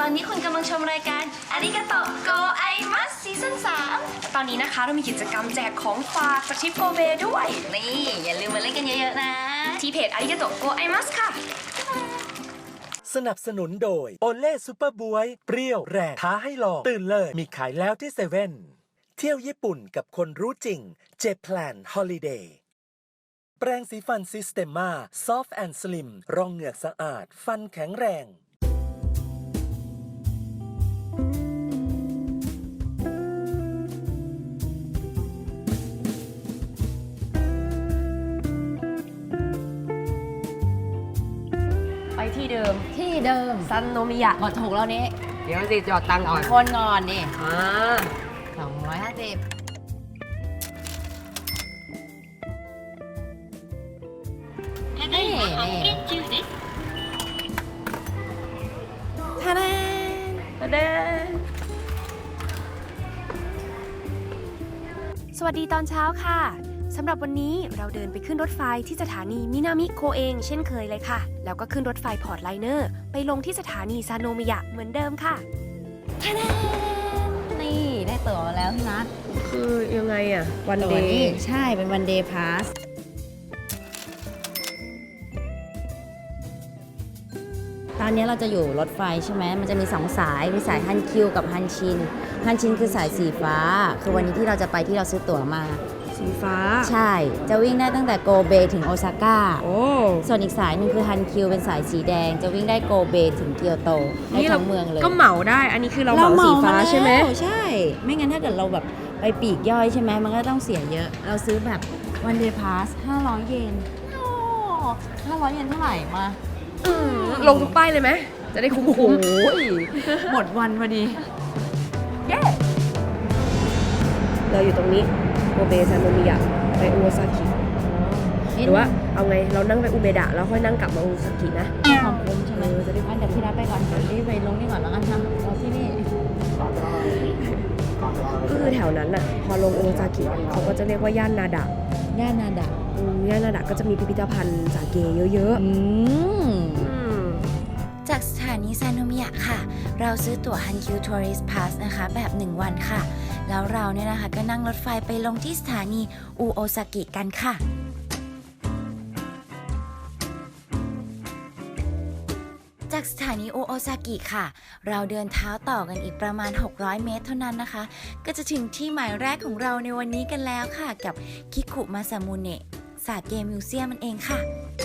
อนนี้คุณกำลังชมรายการอาริกาโตโกไอมัสซีซั่น3ตอนนี้นะคะเรามีกิจกรรมแจกของฝากจากทริปโกเบด้วยนี่อย่าลืมมาเล่นกันเยอะๆนะที่เพจอาริกาโตโกไอมัสค่ะสนับสนุนโดยโอเล่ซูเปอร์บวยเปรี้ยวแรงท้าให้ลองตื่นเลยมีขายแล้วที่เซเว่นเที่ยวญี่ปุ่นกับคนรู้จริงเจแพลนฮอลิเดย์แปรงสีฟันซิสเตมมาซอฟต์แอนด์สลิมรองเหงือกสะอาดฟันแข็งแรงไปที่เดิมซันโนมิยะหมดถูกแล้วนี้เดี๋ยวสิจอดตังค์ก่อนคนก่อนนี่ 250 นี่ทาดาเดินสวัสดีตอนเช้าค่ะสำหรับวันนี้เราเดินไปขึ้นรถไฟที่สถานีมินามิโคเองเช่นเคยเลยค่ะแล้วก็ขึ้นรถไฟพอร์ตไลเนอร์ไปลงที่สถานีซาโนมิยะเหมือนเดิมค่ะทาดานี่ได้ตั๋วมาแล้วพี่นัทคือยังไงอะวันตั๋เดวนี่ย์ใช่เป็นวันเดย์พาสตอนนี้เราจะอยู่รถไฟใช่ไหมมันจะมี2สายมีสายฮันคิวกับฮันชินฮันชินคือสายสีฟ้าคือวันนี้ที่เราจะไปที่เราซื้อตั๋วมาสีฟ้าใช่จะวิ่งได้ตั้งแต่โกเบถึงโอซาก้าโอ้ส่วนอีกสายหนึ่งคือฮันคิวเป็นสายสีแดงจะวิ่งได้โกเบถึงเกียวโตได้ทั้งเมืองเลยก็เหมาได้อันนี้คือเราเหมาสีฟ้าใช่ไหมใช่ ไม่งั้นถ้าเกิดเราแบบไปปีกย่อยใช่ไหมมันก็ต้องเสียเยอะ เราซื้อแบบวันเดย์พาส500 เยนโอ้500 เยนเท่าไหร่มาลงทุกป้ายเลยไหมจะได้คุ้มโอ้ยหมดวันพอดีเย้เราอยู่ตรงนี้โกเบซาโนมิยะไปอุโอซากิหรือว่าเอาไงเรานั่งไปอุเบดะแล้วค่อยนั่งกลับมาอุโอซากินะความคุ้มใช่ไหมจะได้เดี๋ยวพี่รับไปก่อนเดี๋ยวรีบไปลงนี่ก่อนแล้วกันนะเราที่นี่ก็คือแถวนั้นน่ะพอลงอุโอซากิเขาก็จะเรียกว่าย่านนาดะย่านนาดะย่านนาดะก็จะมีพิพิธภัณฑ์สาเกเยอะจากสถานีซาโนมิยะค่ะ เราซื้อตั๋ว Hankyu Tourist Pass นะคะแบบ 1 วันค่ะ แล้วเราเนี่ยนะคะก็นั่งรถไฟไปลงที่สถานีอุโอซากิกันค่ะ จากสถานีอุโอซากิค่ะ เราเดินเท้าต่อกันอีกประมาณ 600 เมตรเท่านั้นนะคะ ก็จะถึงที่หมายแรกของเราในวันนี้กันแล้วค่ะ กับคิคุมาซามุเนะสาเกมิวเซียมมันเองค่ะ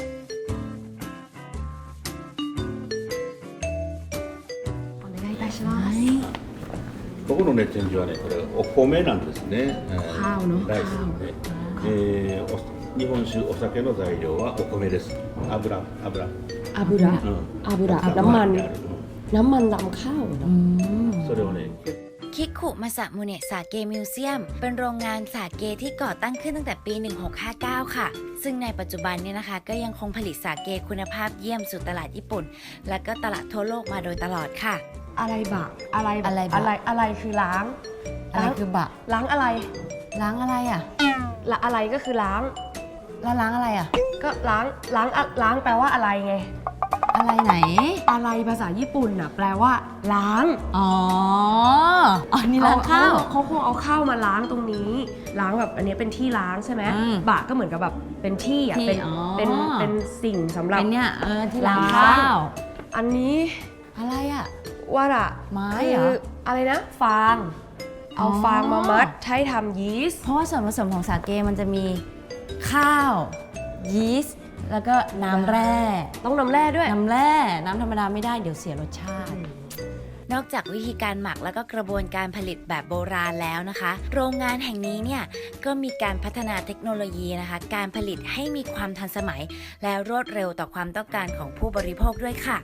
ここのね展示はねこれお米なんですね。 ข้าวเนอะライスで、日本酒お酒の材料はお米です。油。 อาบุระうん。 อาบุระ油น้ำมันであるน้ำมันลำข้าวเนอะそれをね。 คิคุมาซามุเนะสาเกมิวเซียมเป็นโรงงานสาเกที่ก่อตั้งขึ้นตั้งแต่ปี 1659 ค่ะ ซึ่งในปัจจุบันเนี่ยนะคะก็ยังคงผลิตสาเกคุณภาพเยี่ยมสู่ตลาดญี่ปุ่น และก็ตลาดทั่วโลกมาโดยตลอดค่ะอะไรบะอะไรบะอะไรบะอะไรคือล้างอะไรคือบะล้างอะไรล้างอะไรอ่ะละอะไรก็คือล้างแล้วล้างอะไรอ่ะก็ล้างแปลว่าอะไรไงอะไรไหนอะไรภาษาญี่ปุ่นน่ะแปลว่า ล้างอ๋ออ๋อนี่ล้างข้าวเขาคงเอาข้าวมาล้างตรงนี้ ล้างแบบอันนี้เป็นที่ล้างใช่ไหมอืมบะก็เหมือนกับแบบเป็นที่อ่ะที่เป็นอ๋อเป็นสิ่งสำหรับเป็นเนี่ยที่ล้างล้างข้าวอันนี้อะไรอ่ะว่าอะไม้คืเหรออะไรนะ ฟาง เอาอ๋อฟางมามัดให้ทำยีสต์เพราะว่าส่วนผสมของสาเกมันจะมีข้าว ยีสต์แล้วก็น้ำแร่ต้องน้ำแร่ด้วยน้ำแร่น้ำธรรมดาไม่ได้เดี๋ยวเสียรสชาตินอกจากวิธีการหมักและก็กระบวนการผลิตแบบโบราณแล้วนะคะ โรงงานแห่งนี้เนี่ยก็มีการพัฒนาเทคโนโลยีนะคะ การผลิตให้มีความทันสมัย และรวดเร็วต่อความต้องการของผู้บริโภคด้วยค่ะ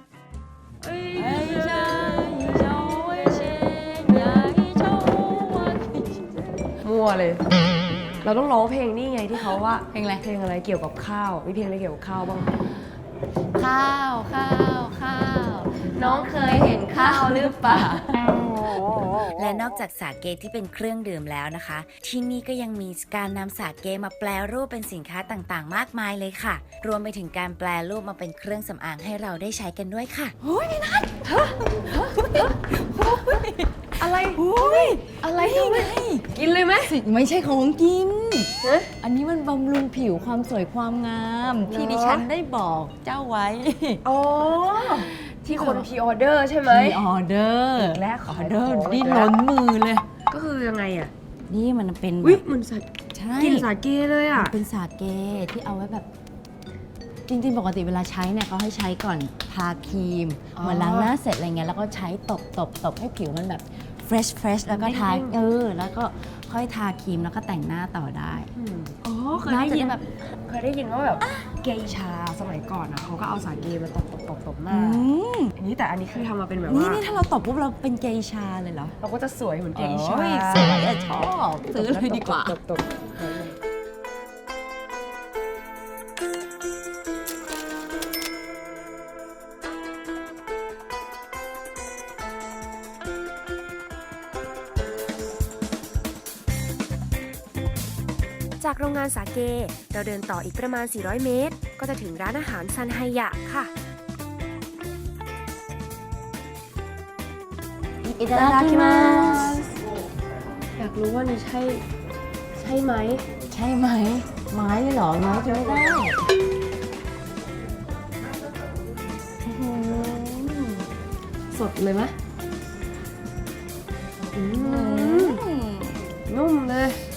มั่วเลย เราต้องร้องเพลงนี่ไงที่เขาว่าเพลงอะไรเพลงอะไรเกี่ยวกับข้าว มีเพลงอะไรเกี่ยวกับข้าวบ้างข้าวข้าวข้าวน้องเคยเห็นข้าวหรือเปล่าและนอกจากสาเกที่เป็นเครื่องดื่มแล้วนะคะ ที่นี่ก็ยังมีการนำสาเกมาแปลรูปเป็นสินค้าต่างๆ มากมายเลยค่ะ รวมไปถึงการแปลรูปมาเป็นเครื่องสำอางให้เราได้ใช้กันด้วยค่ะอะไร อะไรทำไมกินเลยไหมไม่ใช่ของกินฮะอันนี้มันบำรุงผิวความสวยความงาม ที่ดิฉันได้บอกเจ้าไว้อ๋อ ที่คนพีออเดอร์ใช่ไหมมีออเดอร์อีกแล้วออเดอร์ของนี่อีกแล้วล้นมือเลยก็คือยังไงอ่ะนี่มันเป็นอุ้ยแบบเหมือนสัตว์ใช่กินสาเกเลยอ่ะเป็นสาเกที่เอาไว้แบบ จริงๆ ปกติเวลาใช้เนี่ยเขาให้ใช้ก่อนทาครีมอ๋อเหมือนล้างหน้าเสร็จอะไรเงี้ยแล้วก็ใช้ตบให้ผิวมันแบบเฟรชแล้วก็ทาเด้งๆแล้วก็ค่อยทาครีมแล้วก็แต่งหน้าต่อได้อ๋อเคยน่าได้จะยินแบบเคยได้ยินว่าแบบเกย์ชาสมัยก่อนอ่ะเขาก็เอาสาเกมาตบหน้า นี่แต่อันนี้คือทำมาเป็นแบบนี่ว่านี่ถ้าเราตบปุ๊บเราเป็นเกย์ชาเลยเหรอเราก็จะสวยเหมือนเกย์ชาโอ้ยสวยอะชอบซื้อเลยดีกว่าตบจากโรงงานสาเก เราเดินต่ออีกประมาณ 400 เมตร ก็จะถึงร้านอาหารซันไฮยะค่ะいただきますอยากรู้ว่านี่ใช่ไหมใช่ไหม ไม้เลยเหรอไม้กินไม่ได้สดเลยไหมนุ่มเลย